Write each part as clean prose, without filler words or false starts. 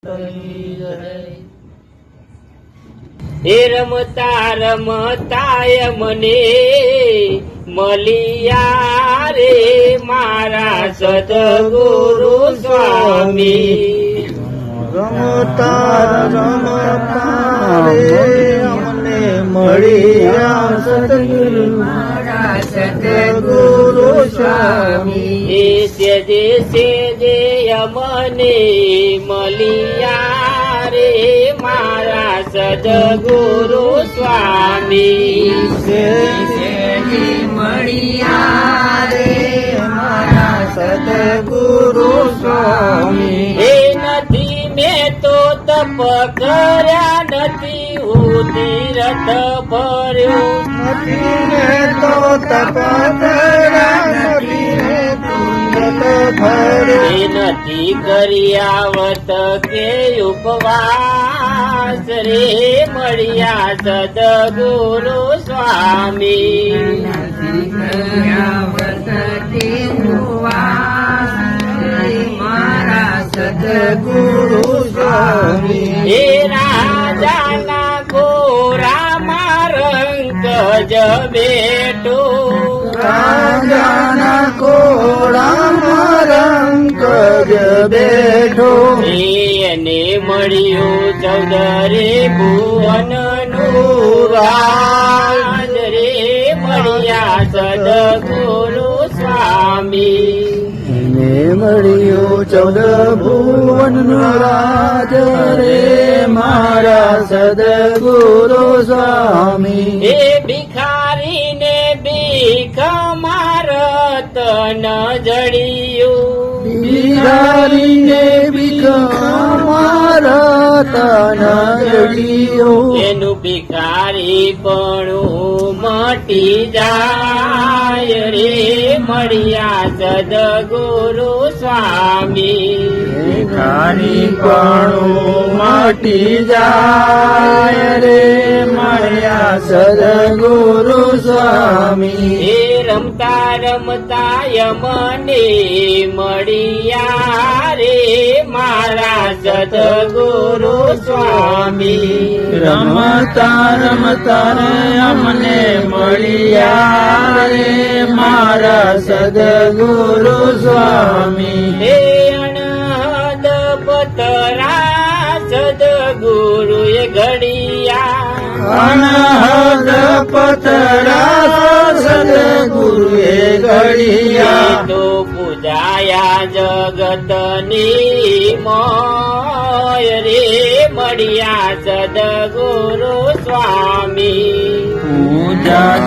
એ રમતા રમતાય મને મળ્યા રે મારા સદગુરુ સ્વામી. રમતા રમતા રે અમને મળ્યા સદગુરુ મારા સદગુરુ સ્વામી. એ સેજે સેજે અમને મળ્યા રે મારા સદગુરુ સ્વામી. મળ્યા રે મારા સદગુરુ સ્વામી. એ નથી મેં તો તપ કર્યા નથી હું તીરથ ભર્યું નથી રે તો તપ કર્યા નથી રે તીરથ ભર્યું. એ નથી કર્યાવત કે ઉપવાસ રે મળ્યા સદગુરુ સ્વામી. સદગુરુ સ્વામી. એ રાજાના ગોરામાં રંગ જ બેઠો રાજાના કોળામાં રંગ જ બેઠો. એને મળ્યું ચૌદરે ભુવનનું રાજ રે મળ્યા સદગુરુ સ્વામી. ને મળ્યો 14 ભુવનનો રાજ રે મારા સદગુરુ સ્વામી. એ ભિખારીને ભીખ મારત ન જડિયું બિહારીને ભીખ મારા તન જડિયો. એનું ભિખારી પણ મટી જાય રે મળ્યા સદગુરુ સ્વામી. ભિખારી પણ મટી જાય રે મળ્યા સદગુરુ સ્વામી. એ રમતા રમતા મને મળ્યા રે મારા સદગુરુ સ્વામી. રમતા રમતા રે અમને મળ્યા રે મારા સદગુરુ સ્વામી. હે અનહદ પતરા સદગુરુ એ ઘડિયા અનહદ પતરા સદગુરુ એ ઘડિયા. તો પૂજાયા જગતની મોય રે મળ્યા સદગુરુ સ્વામી. પૂજા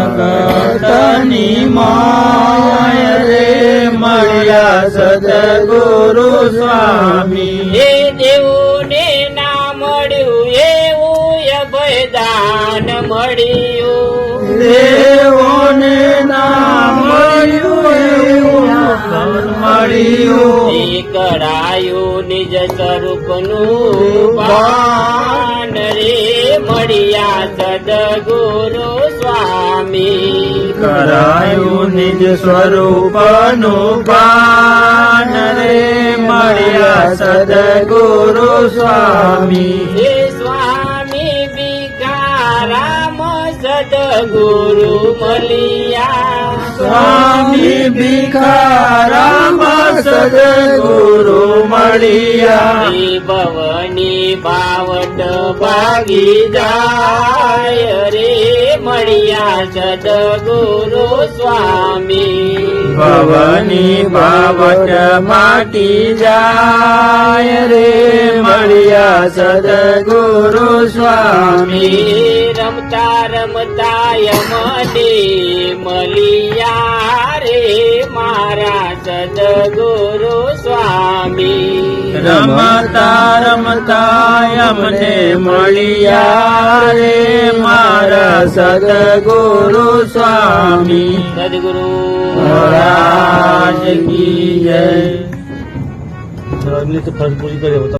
જગતની માય રે મળ્યા સદગુરુ સ્વામી. એ દેવોને ના મળ્યું એવું અભયદાન મળ્યું. દેવોને ના મળ્યું એવું મળ્યું. એ કરાયું નિજ સ્વરૂપનું ભાન રે મળ્યા સદગુરુ સ્વામી. કરાયું નિજ સ્વરૂપનું ભાન રે મળ્યા સદગુરુ સ્વામી. હે સ્વામી ભિખારામ સદગુરુ મળ્યા. સ્વામી ભિખારામ સદગુરુ મળ્યા. એ ભવની બાવટ ભાગી જાય રે મળ્યા સદગુરુ સ્વામી. ભવની બાવટ માટી જાય રે મળ્યા સદગુરુ સ્વામી. રમતા રમતા મને મળ્યા રે મારા સદગુરુ સ્વામી. રમતા રમતા અમને મળ્યા રે મારા સદગુરુ સ્વામી. સદગુરુ મહારાજ કી જય. અગલી તો ફરજ પૂરી કરે